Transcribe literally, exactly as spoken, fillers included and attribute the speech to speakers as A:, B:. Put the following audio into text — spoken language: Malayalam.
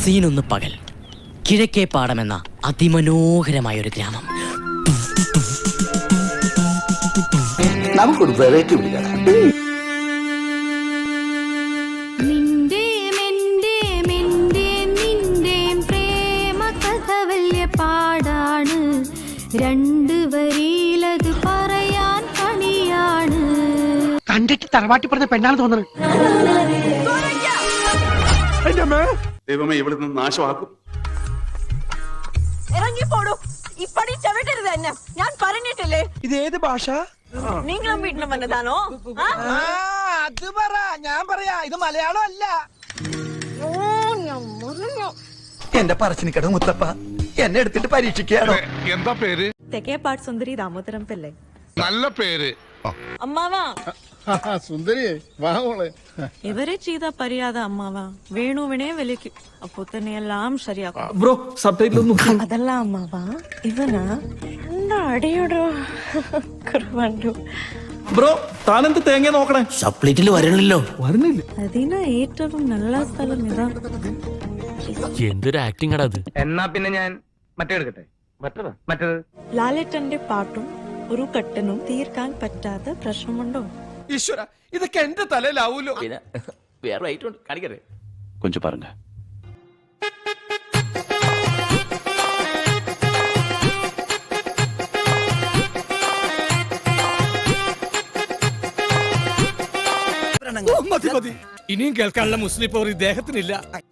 A: സീനൊന്ന് പകൽ. കിഴക്കേ പാടമെന്ന അതിമനോഹരമായ ഒരു ഗ്രാമം.
B: നമുക്കൊരു വെറൈറ്റി വിളിക്കാം.
C: പാടാണ് രണ്ട് വരിയിലത് പറയാൻ പണിയാണ്.
D: കണ്ടിട്ട് തറവാട്ടി പറഞ്ഞ പെണ്ണാണ് തോന്നുന്നത്.
B: ദൈവമേ, ഇവിടെ നിന്ന് നാശമാക്കും.
E: ഇറങ്ങിപ്പോടും. ഇപ്പടി ചവിട്ടരുത് എന്നെ, ഞാൻ പറഞ്ഞിട്ടില്ലേ.
D: ഇത് ഏത് ഭാഷ?
E: നിങ്ങളും വീട്ടിലും വന്നതാണോ?
D: അത് പറ, ഞാൻ പറയാ. ഇത് മലയാളം അല്ല. എന്റെ പറച്ചിനിക്കട മുത്തപ്പ എന്നെ എടുത്തിട്ട് പരീക്ഷിക്കാണോ?
F: എന്താ പേര്?
E: തെക്കേപ്പാട് സുന്ദരി ദാമോദരം പിള്ളை.
F: നല്ല പേര്.
E: അമ്മാവാ
G: സുന്ദരി വാ മോളെ.
E: ഇവരെ ചെയ്ത പരിയാത അമ്മാവാ വേണുവിനെ വിളിക്കും. അപ്പൊ തന്നെ എല്ലാം ശരിയാക്കും.
D: ബ്രോ സബ്ടൈറ്റിൽ ഒന്നും.
E: അതല്ല അമ്മാവാ, ഇവനാ എന്റെ അടിയോടോ കുറവുണ്ടു.
D: ബ്രോ താനെന്ത് തേങ്ങ നോക്കണേ?
A: സപ്ലിറ്റിൽ വരണല്ലോ.
D: വരുന്നില്ല.
E: അതിന് ഏറ്റവും നല്ല സ്ഥലം ഇതാ.
A: എന്തൊരു ആക്ടിങ് ആണ് അത്.
D: എന്നാ പിന്നെ ഞാൻ മറ്റേ എടുക്കട്ടെ. മറ്റേത്
E: ലാലേട്ടന്റെ പാട്ടും ഒരു കട്ടനും തീർക്കാൻ പറ്റാത്ത പ്രശ്നമുണ്ടോ?
D: ഈശ്വര, ഇതൊക്കെ എന്റെ തലയിലാവൂലോ.
A: പിന്നെ വേറെ ഐറ്റം കാണിക്കട്ടെ.
B: കൊഞ്ചം പറഞ്ഞ
D: ഇനിയും കേൾക്കാനുള്ള മുസ്ലിം പവർ ഇദ്ദേഹത്തിനില്ല.